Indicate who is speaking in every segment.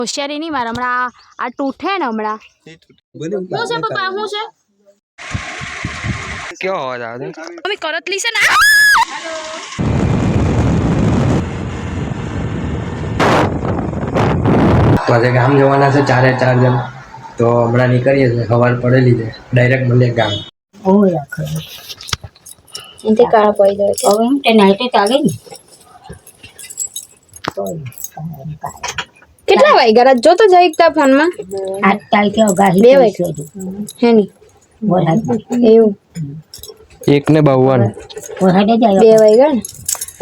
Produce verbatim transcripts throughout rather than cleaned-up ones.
Speaker 1: હોશિયારી નહીં મારે હમણાં આ તૂટે ને હમણાં શું છે પપ્પા શું છે
Speaker 2: ક્યાં અવાજ આવે છે
Speaker 1: મમ્મી કરતલી છે ને
Speaker 3: મારે ગામ જવાના છે ચારે ચાર જણ તો હમણાં નીકળીએ છીએ સવાર પડેલી છે ડાયરેક્ટ મળીએ ગામ
Speaker 4: ઓય ખરે
Speaker 1: એનથી કાળા પડી જાય
Speaker 4: હવે એમ તે નાઈટે ચાલે ને
Speaker 1: કેટલા વાગ્યા જો તો જઈ એકતા ફોનમાં
Speaker 4: આઠ તારીખે અગાહી
Speaker 1: બે
Speaker 4: થઈ
Speaker 1: વાગે
Speaker 4: છે
Speaker 1: હે ની
Speaker 4: વરસાદ
Speaker 1: એવું
Speaker 2: એક ને બાવન
Speaker 4: વરસાદ જ
Speaker 1: બે
Speaker 4: આવ્યો
Speaker 1: વાગ્યા ને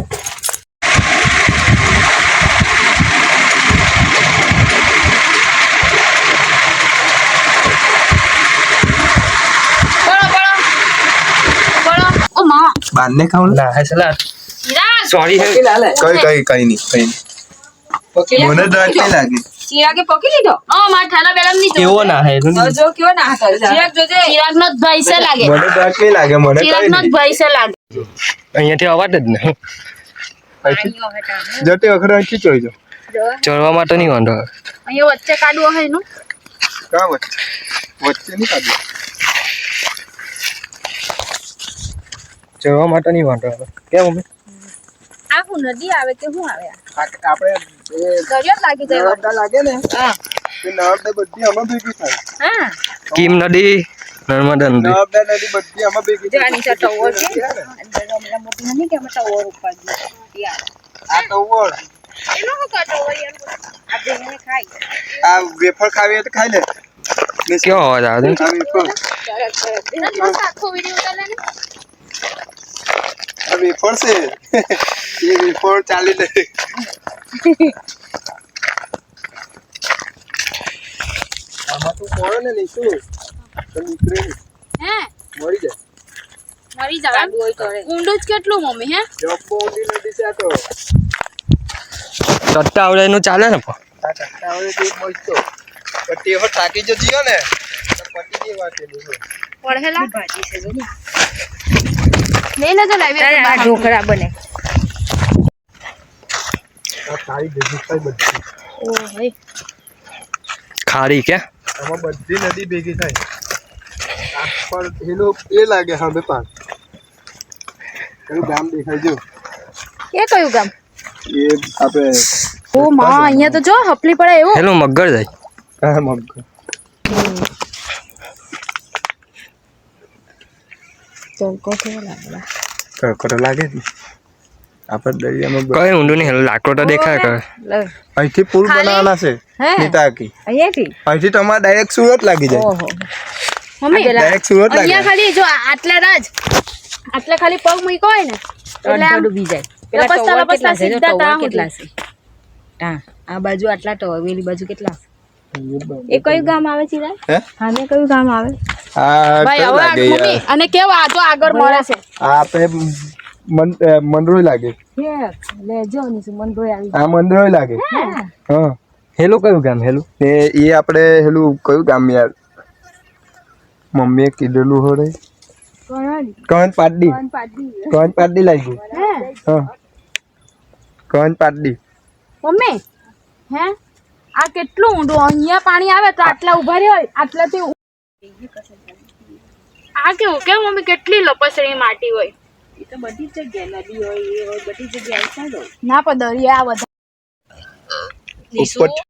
Speaker 5: બાંધને ખાવું
Speaker 2: ના હે સલાહ સોરી હે
Speaker 5: કઈ કઈ કઈ નહીં કઈ નહીં મને ડર નહીં લાગે
Speaker 6: ચિરાગે પકી લીધો
Speaker 1: ઓ માર થાલા બેલમ ની
Speaker 2: કેવો ના હે
Speaker 6: જો કેવો ના હતો ચિરાગ જોજે
Speaker 1: ચિરાગ નો ભાઈ છે લાગે
Speaker 5: મને ડર નહીં લાગે મને
Speaker 1: ચિરાગ
Speaker 5: કઈ
Speaker 1: નો
Speaker 5: નહીં
Speaker 1: ભાઈ છે લાગે
Speaker 2: અહીંયાથી અવાજ જ નહીં
Speaker 5: જતે વખત અહીંથી જોઈ જો
Speaker 2: ચડવા માટે નહીં વાંધો આવે
Speaker 1: અહીંયા વચ્ચે કાઢવો હે એનું
Speaker 5: કા વચ્ચે વચ્ચે નહીં કાઢી
Speaker 2: ચડવા માટે નહીં વાંધો આવે કેમ મમ્મી
Speaker 1: આ હું નદી આવે કે હું આવે
Speaker 5: આપણે એ
Speaker 1: દરિયો લાગી જાય
Speaker 5: નર્મદા લાગે ને
Speaker 1: હા
Speaker 5: એ નર્મદા બધી આમાં ભેગી થાય
Speaker 1: હા
Speaker 2: કીમ નદી નર્મદા નદી
Speaker 5: નર્મદા નદી બધી આમાં ભેગી થાય
Speaker 6: જાની ચા ટવર છે અંદર મોટી નથી કે અમે ટવર ઉપર યાર
Speaker 5: આ ટવર
Speaker 6: એનો હું કાટો હોય યાર આ બેને ખાઈ
Speaker 5: આ વેફર ખાવી હોય તો ખાઈ લે
Speaker 2: કેવો અવાજ આવે છે
Speaker 5: આ વેફર
Speaker 1: આખો વિડિયો ઉતારે ને
Speaker 5: આ વેફર છે એ વેફર ચાલી લે આમાં તું પડે ને નીચું તો નીકળે નહીં
Speaker 1: હે
Speaker 5: મરી જાય
Speaker 1: મરી જાવ ઊંડું જ કેટલું મમ્મી હે
Speaker 5: જબ્બો ઊંડી નદી છે આ તો
Speaker 2: ચટ્ટા આવડે એનું ચાલે ને પણ
Speaker 5: આ ચટ્ટા હોય તો મસ્તો પણ તે વખત થાકી જો જીયો ને તો પટી જે વાત એની છે
Speaker 1: પડહેલા
Speaker 6: ભાજી છે જો
Speaker 1: લઈ લેજો લાવી
Speaker 6: આ ઢોકળા બને
Speaker 5: આ સારી ભેગી થાય બધી
Speaker 1: ઓ ભાઈ
Speaker 2: ખારી કે
Speaker 5: આમાં બધી નદી ભેગી થાય આ પર એનો એ લાગે હવે પાક કયું ગામ દેખાય જો
Speaker 1: એ કયું ગામ
Speaker 5: એ આપણે
Speaker 1: ઓ માં અહીંયા તો જો હપલી પડે એવું
Speaker 2: હેલો મગર જાય
Speaker 5: હા મગ
Speaker 1: તો કોઠો લાગે
Speaker 5: કડકડ લાગે ને આપણે દરિયામાં
Speaker 2: કઈ ઊંડું નહીં હેલો લાકડો તો દેખાય કરે
Speaker 5: અહીંથી પુલ બનાવવાના છે નીતાકી
Speaker 6: અહીંયાથી
Speaker 5: અહીંથી તમારે ડાયરેક્ટ સુરત લાગી જાય
Speaker 6: ઓહો
Speaker 1: મમ્મી
Speaker 5: ડાયરેક્ટ સુરત લાગે
Speaker 1: અહીંયા ખાલી જો આટલા રાજ આટલા ખાલી પગ મૂક્યો હોય ને એટલે આમ
Speaker 6: ડૂબી જાય
Speaker 1: લપસતા લપસતા સીધા તા
Speaker 6: કેટલા છે હા આ બાજુ આટલા ટવર પેલી બાજુ કેટલા એ કયું ગામ આવે છે
Speaker 5: હે
Speaker 6: હામે કયું ગામ આવે
Speaker 5: આ
Speaker 1: ભાઈ
Speaker 5: કયું
Speaker 1: હવે
Speaker 5: લાગે
Speaker 1: મમ્મી
Speaker 5: યાર
Speaker 1: અને કેવું આ તો આગળ મળે છે
Speaker 5: આ આપણે મન મંદરોય લાગે
Speaker 6: લેજો ની સુમન ભાઈ આવી
Speaker 5: આ મંદરોય લાગે હા
Speaker 2: હેલો કયું ગામ હેલો
Speaker 5: ને એ આપણે હેલું કયું ગામ યાર મમ્મીએ કીધેલું હોરે કન પાડી કન પાડી લાગી હા કન પાડી
Speaker 1: મમ્મી હે આ કેટલું ઊંડું અહીંયા પાણી આવે તો આટલા ઉભા રહ્યો આટલાથી આ કેવું કેમ મમ્મી કેટલી લપસણી માટી હોય
Speaker 6: એ તો બધી જગ્યાએ નદી હોય એ હોય બધી જગ્યાએ ચાલો
Speaker 1: ના પણ દરિયા બધા
Speaker 5: ઉપર